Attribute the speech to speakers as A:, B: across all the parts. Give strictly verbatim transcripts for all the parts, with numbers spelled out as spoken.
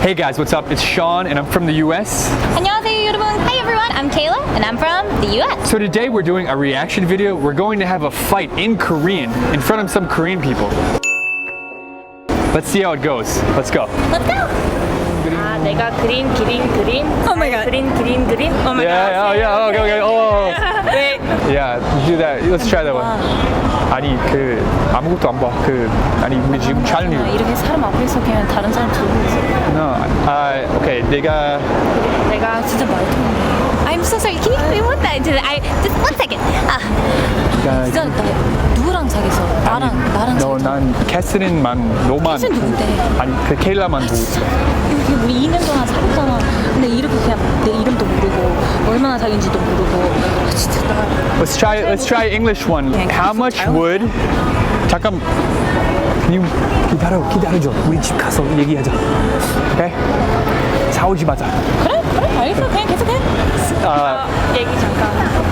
A: Hey guys, what's up? It's Sean and I'm from the U S.
B: 안녕하세요 여러분. Hi everyone, I'm Kayla and I'm from the U S.
A: So today we're doing a reaction video. We're going to have a fight in Korean in front of some Korean people. Let's see how it goes. Let's go.
B: Let's go.
C: 아, 내가 그린 그린 그림.
B: Oh my god.
C: 그린 그린 그림. Oh my
A: Yeah,
C: god.
A: yeah, yeah. Okay, okay. Oh.
C: 왜?
A: Yeah, do that. Let's try that one. 아니 그 아무것도 안 봐. 그 아니 우리 지금 촬영.
B: 이렇게 사람 앞에서 그냥 다른 사람 들고 있어.
A: No. 아, 오케이. 내가
C: 내가
B: 진짜 말통해. I'm so sorry. Can you repeat what that? I just one second. 아, 진짜 나 누구랑 사귀었어? 나랑 나랑 사귀었어.
A: 너난 캐스린만 너만.
B: 캐스린 누군데?
A: 아니 그 케일라만 보고 있어.
B: 이렇게 우리 이 년 동안 사귀었잖아. 근데 이렇게 그냥 내 이름도 모르고 얼마나 사귄지도 모르고. 아, 진짜 나.
A: Let's try. Let's try English one. How much would? 잠깐. 님 기다려 기다려줘. 우리 집 가서 얘기하자. 오케이? 싸우지 마자.
B: 그래 그래 알겠어. 그냥 계속해.
A: 아,
C: 얘기 잠깐.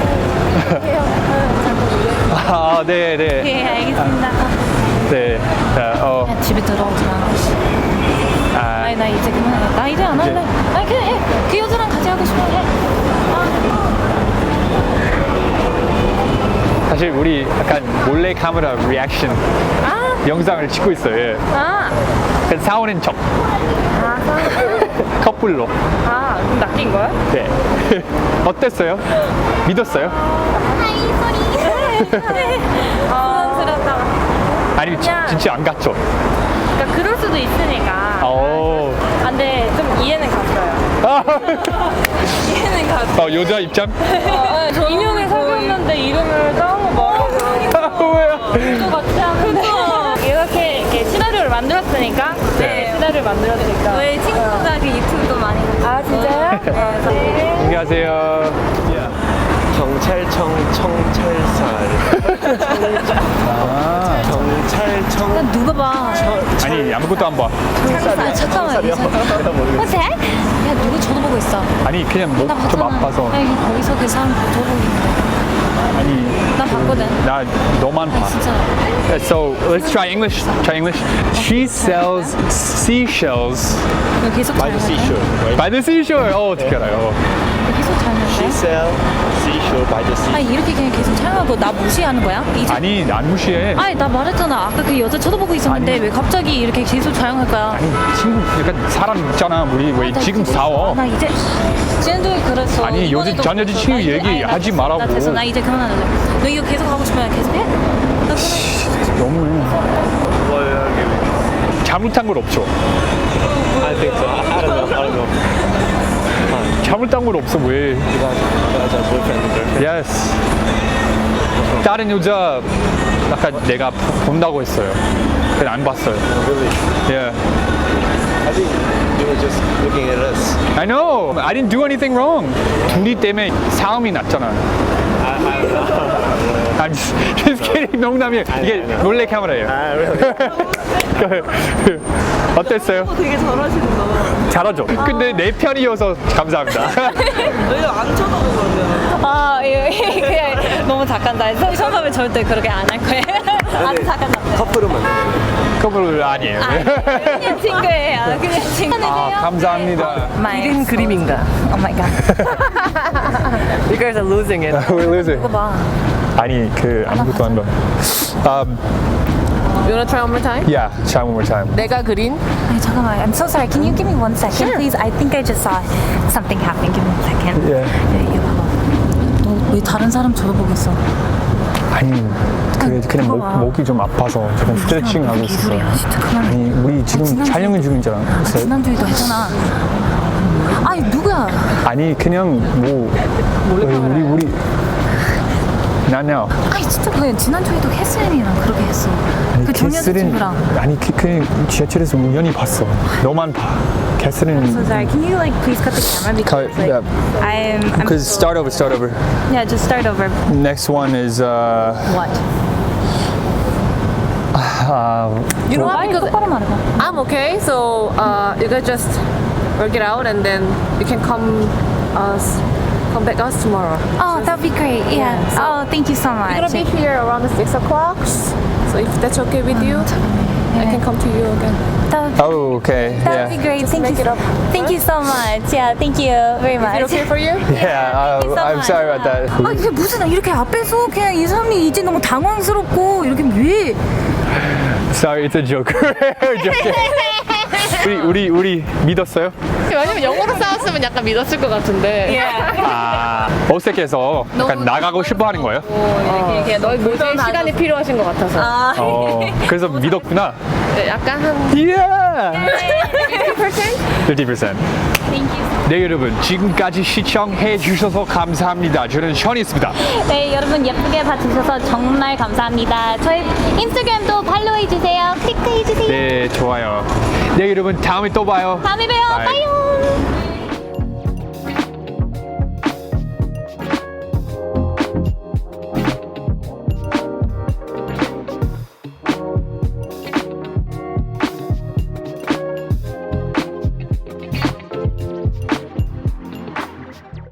A: 아, 네, 네,
B: 네 알겠습니다.
A: 네. 자, 어,
B: 그냥 집에 들어오지 마.
A: 아,
B: 아니 나 이제 그만해. 나 이제 안 할래. 아니 그냥 해. 그 여자랑 같이 하고 싶어 해.
A: 사실 우리 약간 몰래 카메라 리액션
C: 아,
A: 영상을 찍고 있어요. 예.
C: 아,
A: 그래서 싸우는 척.
C: 아,
A: 커플로.
C: 아, 그럼 낚인 거야?
A: 네. 어땠어요? 믿었어요?
C: 부담스럽다.
A: 아니 지,
C: 그냥-
A: 진짜 안 갔죠?
C: 그러니까 그럴 수도 있으니까.
A: 오.
C: 아, 근데 좀 이해는 갔어요. 이해는 갔어.
A: 어, 여자 입장?
C: 인형을 사귀었는데 이름을 까먹어 말하고.
A: 뭐야?
C: 또 같이 하는데 이렇게, 이렇게 시나리오를 만들었으니까 네, 시나리오를 만들었으니까
B: 왜 친구가 그 유튜브도 많이
C: 아 진짜요? 네.
A: 안녕하세요.
D: 경찰청 청찰살
A: 아,
D: 경찰청
B: 난 누가 봐.
A: 아니 아무것도 안 봐.
B: 아, 잠깐만.
D: 내가 모르겠어.
B: What's that? 야 누구 쳐다보고 있어?
A: 아니 그냥 목
B: 나
A: 좀
B: 봤잖아.
A: 아파서.
B: 아니 거기서 그 사람 쳐다보고 있는데.
A: 아니
B: 난 봤거든.
A: 나 너만 봐.
B: 진짜.
A: So let's try English. Try English. She sells seashells
B: 너 계속
D: by the seashore, right?
A: by the seashore. 어 어떻게 알아요?
B: 계속
D: She
B: 촬영해?
D: sell seashore by the sea.
B: 아니 이렇게 그냥 계속 촬영하고 나 무시하는 거야? 이제
A: 아니 안 무시해.
B: 아니 나 말했잖아. 아까 그 여자 쳐다보고 있었는데
A: 아니.
B: 왜 갑자기 이렇게 계속 촬영할 거야?
A: 아니 친구 약간 사람 있잖아. 우리 왜
B: 나
A: 지금
B: 그거-
A: 싸워?
B: 나 이제 지난주에 그랬어.
A: 아니,
B: 이번에도
A: 여자- 전
B: 그랬어.
A: 여자친구
B: 나 이제-
A: 얘기
B: 아니,
A: 하지
B: 나-
A: 말라고.
B: 나 됐어. 나 이제 그만할래. 너 이거 계속 하고 싶으면 계속 해. 나 그만.
A: 너무해.
D: Well,
A: 잘못한 건 없죠.
D: I think so. I, I don't know. I don't know.
A: 잘못한 건 없어 왜?
D: You guys, you guys are boyfriend and girlfriend.
A: Yes. 다른 여자 아까 내가 본다고 했어요. 근데 안 봤어요.
D: Really?
A: Yeah.
D: I think you were just looking at us.
A: I know. I didn't do anything wrong. 둘이 때문에 싸움이 났잖아.
D: I, I don't know.
A: I'm just, just kidding. 농담이에요. 이게 몰래 카메라예요.
D: Ah, really?
A: 어땠어요?
E: 되게 잘하시는다.
A: 잘하죠. 근데 내 편이어서 감사합니다.
E: 왜 안 쳐다보거든요?
B: 아, 이거 그냥 너무 작간다. 성함에 절대 그렇게 안 할 거예요. 아주 작간다.
D: 커플은 만나요.
A: 커플 아니에요.
B: 그냥 친구예요. 그냥 친구.
A: 아, 감사합니다.
E: 그린 그림인가?
B: Oh my god.
E: You guys are losing it.
A: We're losing.
B: 이거 봐.
A: 아니 그 아무것도 안 봐. Um,
E: You wanna try one more time?
A: yeah, try one more time.
E: 내가 그린
B: 아니 잠깐만. I'm so sorry. Can you give me one second, please? I think I just saw something happening. Give me one second.
A: Yeah.
B: 야, 이거 봐봐. 너 왜 다른 사람 쳐다보고 있어?
A: 아니 그 그냥
B: 그거
A: 목,
B: 봐.
A: 목이 좀 아파서 조금 스트레칭 하고 있었어.
B: 개소리야. 진짜 그만해.
A: 아니 우리 지금
B: 지난주에-
A: 촬영 중이잖아.
B: 아,
A: 그래서
B: 지난주에도 했잖아. 아니 누구야?
A: 아니 그냥 뭐 우리 우리 나냐
B: 아니 진짜 그냥 지난주에도 캐슬린이랑 그렇게 했어. 그 정여자친구랑.
A: 아니 그, 그 지하철에서 우연히 봤어. 너만 봐. 캐슬린.
B: So sorry. Can you like please cut the camera because like,
A: yeah.
B: I'm. I'm
A: Cause start over, start over.
B: yeah, just start over.
A: Next one is uh.
B: What?
A: uh
E: You know what? Because
B: 똑바로 말해봐.
E: I'm okay, so uh, you guys just work it out and then you can come us come back us tomorrow.
B: Oh, that'd be great. Yeah. oh, thank you so much.
E: We're gonna be here around the six o'clock. So if that's okay with you.
B: 야,
E: I can come to you again.
B: That,
A: Oh, okay.
B: that would be
A: Yeah.
B: great. Thank
E: make
B: you.
E: it up.
B: Thank you so much. Yeah, thank you very
E: Is
B: much.
E: it okay for you?
A: Yeah, uh,
B: Thank you so
A: I'm
B: much.
A: sorry about that.
B: 아 이게 무슨 이렇게 앞에서 그냥 이 사람이 이제 너무 당황스럽고 이렇게 왜?
A: Sorry, it's a joke. Joking. 우리 우리 우리 믿었어요?
E: 왜냐면 영어로 싸웠으면 약간 믿었을 것 같은데.
A: 아, 어색해서 약간 나가고 싶어 하는 거예요?
E: 어, 이게 너희 모두의 시간이 필요하신 것 같아서.
B: 아,
A: 어, 그래서 믿었구나.
E: 네, 약간 한
A: Yeah.
E: fifty percent?
A: fifty percent.
B: thank you.
A: 네, 여러분 지금까지 시청해 주셔서 감사합니다. 저는 션이었습니다.
B: 네, 여러분 예쁘게 봐주셔서 정말 감사합니다. 저희 인스타그램도 팔로우해 주세요. 클릭해 주세요.
A: 네, 좋아요. 네, 여러분 다음에 또 봐요.
B: 다음에 봬요.
A: 바이.
B: 빠이용.